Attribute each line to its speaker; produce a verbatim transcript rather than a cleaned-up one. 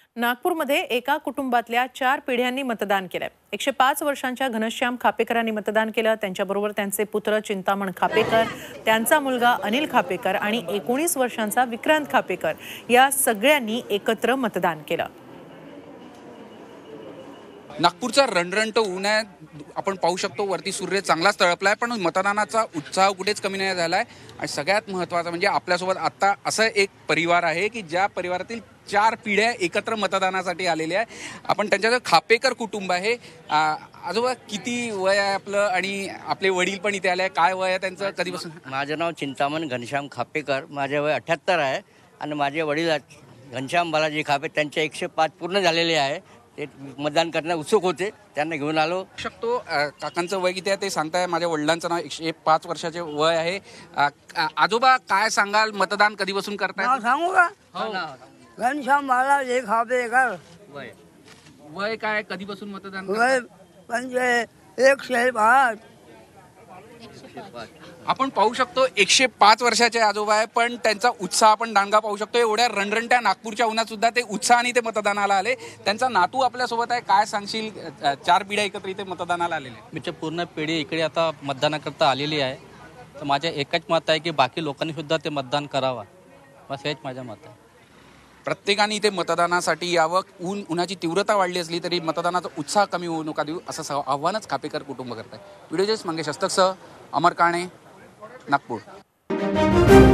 Speaker 1: नागपूरमध्ये एका कुटुंबातल्या चार पिढ्यांनी मतदान केलंय। एकशे पाच वर्षांच्या घनश्याम खापेकरांनी मतदान केलं। त्यांच्याबरोबर त्यांचे पुत्र चिंतामण खापेकर, त्यांचा मुलगा अनिल खापेकर आणि एकोणीस वर्षांचा विक्रांत खापेकर या सगळ्यांनी एकत्र मतदान केलं।
Speaker 2: नागपूरचा रणरणट ऊन आहे, आपण पाहू शकतो वरती सूर्य चांगलाच तळपलाय, पण मतदानाचा उत्साह कुठेच कमी नाही झालाय। आणि सगळ्यात महत्त्वाचं म्हणजे आपल्यासोबत आता असं एक परिवार आहे की ज्या परिवारातील चार पिढ्या एकत्र मतदानासाठी आलेल्या आहे। आपण त्यांच्याकडे खापेकर कुटुंब आहे। आजोबा किती वय आहे आपलं आणि आपले वडील पण इथे आले, काय वय आहे त्यांचं, कधीपासून?
Speaker 3: माझं नाव चिंतामण घनश्याम खापेकर, माझे वय अठ्ठ्याहत्तर आहे आणि माझे वडील घनश्याम बालाजी खापे, त्यांचे एकशे पाच पूर्ण झालेले आहे। ते मतदान करण्यास उत्सुक होते, त्यांना घेऊन आलो।
Speaker 2: शकतो काकांचं वय किती आहे ते सांगताय। माझ्या वडिलांचं नाव एकशे पाच वर्षाचे वय आहे। आजोबा काय सांगाल, मतदान कधीपासून करताय?
Speaker 4: सांगू का? घनश्याम बालाजी खापेकर।
Speaker 2: वय वय काय, कधीपासून मतदान?
Speaker 4: वय म्हणजे एकशे पाच।
Speaker 2: आपण पाहू शकतो एकशे पाच वर्षाचे आजोबा आहे, पण त्यांचा उत्साह आपण दांडगा पाहू शकतो। एवढ्या रणरणट्या नागपूरच्या उन्हात सुद्धा ते उत्साहाने ते मतदानाला आले। त्यांचा नातू आपल्यासोबत आहे, काय सांगशील? चार पिढ्या एकत्र इथे मतदानाला आलेले।
Speaker 5: म्हणजे पूर्ण पिढी इकडे आता मतदानाकरता आलेली आहे, तर माझ्या एकच मत आहे की बाकी लोकांनी सुद्धा ते मतदान करावा, बस हेच माझं मत आहे।
Speaker 2: प्रत्येकाने इथे मतदानासाठी यावं। ऊन उन्हाची तीव्रता वाढली असली तरी मतदानाचा उत्साह कमी होऊ नका देऊ, असं आव्हानच खापेकर कुटुंब करत आहे। व्हिडिओ जर्नलिस्ट मंगेश हस्तकसह अमर काणे, नागपूर।